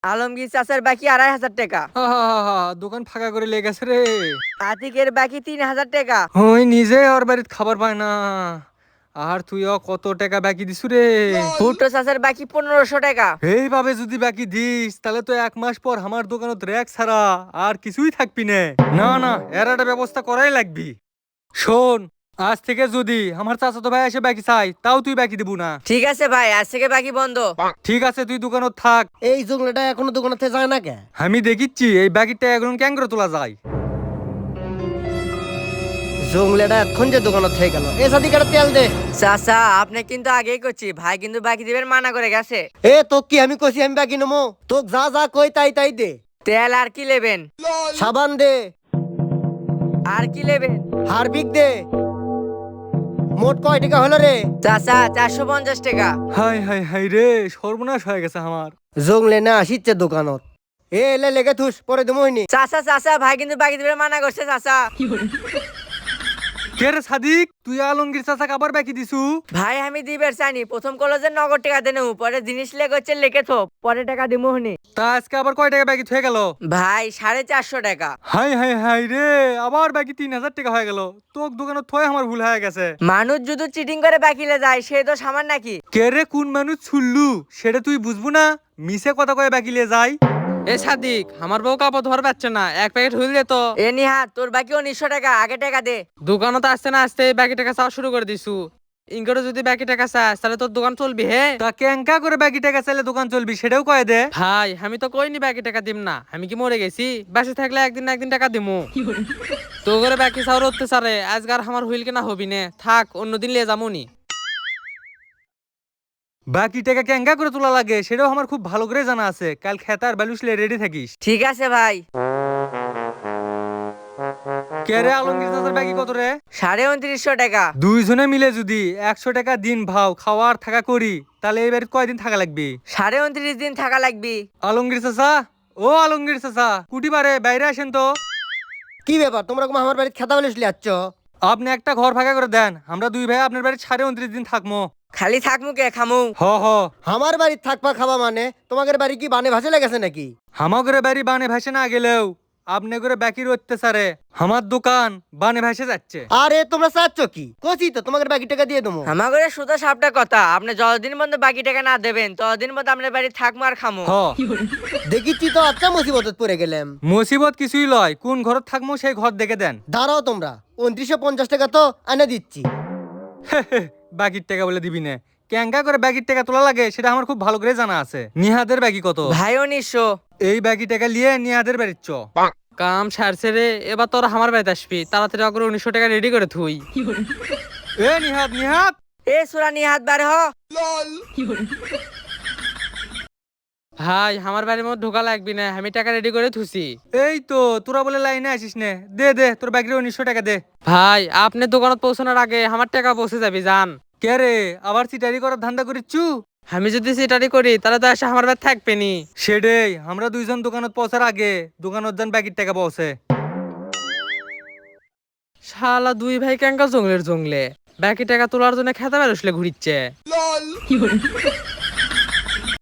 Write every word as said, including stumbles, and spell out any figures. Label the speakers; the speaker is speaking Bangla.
Speaker 1: আলমগীর চাচার বাকি আড়াই হাজার টাকা।
Speaker 2: হা হা হা হা, দোকান ফাঁকা করে লেগেছে রে।
Speaker 1: আতিকের বাকি তিন হাজার টাকা।
Speaker 2: ওই নিজে ওর বাড়িতে খাবার পায় না, আর তুইও কত টাকা বাকি দিছু রে?
Speaker 1: ভুট্টো চাচার বাকি পনেরোশো টাকা।
Speaker 2: এইভাবে যদি বাকি দিস তাহলে তো এক মাস পর আমার দোকানত র্যাক ছাড়া আর কিছুই থাকবি না। না না, এর একটা ব্যবস্থা করাই লাগবি। শোন, আজ থেকে যদি আমার চাচাতো ভাই এসে বাকি চাই, তাও তুই বাকি দিব না।
Speaker 1: ঠিক আছে ভাই, আজ থেকে বাকি বন্ধ।
Speaker 2: ঠিক আছে, তুই দোকানত থাক।
Speaker 3: এই জঙ্গলেটা এখনো দোকানে যায় না কে?
Speaker 2: আমি দেখিচ্ছি এই বাকিটা এখন কেন করে তোলা যায়।
Speaker 3: জঙ্গলেটা এখন যে দোকানে থেকে গেল, এ সাদিকাটা তেল দে।
Speaker 1: চাচা আপনি কিন্তু আগেই করছি, ভাই কিন্তু বাকি দিবেন মানা করে গেছে।
Speaker 3: এ তোক কি আমি কইছি আমি বাকি নেবো? তোক যা যা কই তাই তাই দে।
Speaker 1: তেল আর কি নেবেন?
Speaker 3: সাবান দে।
Speaker 1: আর কি নেবেন?
Speaker 3: হারবিক দে। মোট কয় টাকা হলো রে?
Speaker 1: চাচা চারশো পঞ্চাশ টাকা।
Speaker 2: হাই হাই হাই রে, সর্বনাশ হয়ে গেছে আমার।
Speaker 3: জঙ্গলে না আসিচ্ছে দোকানত। এ এলে লেগে থুস, পরে দেবইনি।
Speaker 1: চাচা চাচা ভাই কিন্তু বাকি দিবেন মানা করছে চাচা।
Speaker 2: কে রে সাদিক, তুই আলমগীর চাচাকে আবার বাকি দিছু?
Speaker 1: ভাই আমি দিবের চাইনি, প্রথম কলেজের নগদ টাকা দেন, পরে জিনিস লেগে হচ্ছে লেখে থো, পরে টাকা দিমু হনি।
Speaker 2: তা আজকে আবার কয় টাকা বাকি হয়ে গেল?
Speaker 1: ভাই সাড়ে চারশো টাকা।
Speaker 2: হাই হাই হাই রে, আবার বাকি তিন হাজার টাকা হয়ে গেল। তোর দোকানত থয়ে আমার ভুল হয়ে গেছে।
Speaker 1: মানুষ যদি চিটিং করে বাকিলে যায় সে তো সামান নাকি?
Speaker 2: কে রে কোন মানুষ ছুল্লু সেটা তুই বুঝবো না? মিছে কথা কয়ে বাকিলে যাই।
Speaker 4: এ সাদিক, আমার বউ কাপড় ধর পাচ্ছে না, এক প্যাকেট হুইল দে তো।
Speaker 1: এ নিহাত তোর বাকি উনিশশো টাকা, আগে টাকা দে।
Speaker 4: দোকানত আসতে না আসতে বাকি টাকা চাওয়া শুরু করে দিছু। ইনকরে যদি বাকি টাকা চাস তাহলে তোর দোকান চলবি হে।
Speaker 2: তা কেঙ্কা করে বাকি টাকা চাইলে দোকান চলবি সেটাও কয়ে দে।
Speaker 4: ভাই আমি তো কইনি বাকি টাকা দিম না, আমি কি মরে গেছি? বাসে থাকলে একদিন না একদিন টাকা দিমু। তো করে বাকি চাওয়ার অত্যাচারে আজকার আমার হুইল কেনা হবি নে, থাক অন্যদিন লিয়ে যামুনি।
Speaker 2: বাকি টাকা কেঙ্কা করে তোলা লাগে সেটাও আমার খুব ভালো করে জানা আছে। কাল খেতার বালুসলে রেডি থাকিস।
Speaker 1: ঠিক আছে ভাই।
Speaker 2: কে রে আলমগীর চাচার বাকি কত রে?
Speaker 1: সাড়ে উনত্রিশশো টাকা।
Speaker 2: দুইজনে মিলে যদি একশো টাকা দিন ভাও খাওয়ার থাকা করি তাহলে এবার কয়দিন থাকা লাগবে?
Speaker 1: সাড়ে উনত্রিশ দিন থাকা লাগবি।
Speaker 2: আলমগীর চাচা, ও আলমগীর চাচা, কুটি পারে বাইরে আসেন তো।
Speaker 3: কি ব্যাপার, তোমরা কোন আমার বাড়িতে খেতা বলিস লিয়াচ্ছ?
Speaker 2: আপনি একটা ঘর ফাঁকা করে দেন, আমরা দুই ভাই আপনার বাড়ি সাড়ে উনত্রিশ দিন থাকবো।
Speaker 1: খালি থাক মুখে খামু।
Speaker 2: হ হ।
Speaker 3: আমার বাড়িতে থাকবা খাবা মানে তোমাদের বাড়ি কি বানে ভাসে লেগেছে নাকি?
Speaker 2: হামাগরে বাড়ি বানে ভাসে না গেলেও আপনি করে বাকির অত্যাচারে আমার দোকান বানে ভাসে যাচ্ছে।
Speaker 3: আরে তোমরা চাচ্ছ কি? কচি তো তোমাদের বাকি টাকা দিয়ে দেবো।
Speaker 1: আমাকে সুতো সাপটা কথা, আপনি যতদিন পর্যন্ত বাকি টাকা না দেবেন ততদিন পর্যন্ত আপনার বাড়ি থাকবো আর খামো।
Speaker 2: হ।
Speaker 3: দেখিচ্ছি তো আচ্ছা মুসিবতত পড়ে গেলাম।
Speaker 2: মুসিবত কিছুই লয়, কোন ঘরত থাকবো সেই ঘর দেখে দেন।
Speaker 3: দাঁড়াও তোমরা, উনত্রিশশো পঞ্চাশ টাকা তো এনে দিচ্ছি।
Speaker 2: বাকির টাকা বলে দিবি না। কেঙ্কা করে বাকির টাকা তোলা লাগে সেটা আমার খুব ভালো করে জানা আছে। নিহাদের বাকি কত?
Speaker 1: ভাই উনিশশো।
Speaker 2: এই বাকি টাকা নিয়ে নিহাদের বাড়ির চ।
Speaker 4: কাম সারছে রে, এবার তোর আমার বাড়িতে আসবি, তাড়াতাড়ি করে উনিশশো টাকা রেডি করে থুই।
Speaker 2: এ নিহাদ নিহাদ।
Speaker 1: এ সুরা নিহাত বার হ।
Speaker 4: ভাই আমার বাড়ির মধ্যে ঢোকা লাগবি না, আমি টাকা রেডি করে থুছি।
Speaker 2: এই তো তোরা বলে লাইনে আসিস নে, দে দে তোর বাকির উনিশশো টাকা দে।
Speaker 4: ভাই আপনি দোকানত পৌঁছানোর আগে আমার টাকা পৌঁছে যাবি, যান।
Speaker 2: কে রে আবার চিটারি করার ধান্দা করিচ্ছু?
Speaker 4: আমি যদি সেটারি করি তাহলে তো এসে আমার বাড়ি থাকবে নি।
Speaker 2: সেটাই, আমরা দুইজন দোকানত পৌঁছার আগে দোকানত যান বাকির টাকা পৌঁছে।
Speaker 4: শালা দুই ভাই কেঙ্কা জঙ্গলের জঙ্গলে বাকি টাকা তোলার জন্য খেতে বেরোসলে ঘুরিচ্ছে।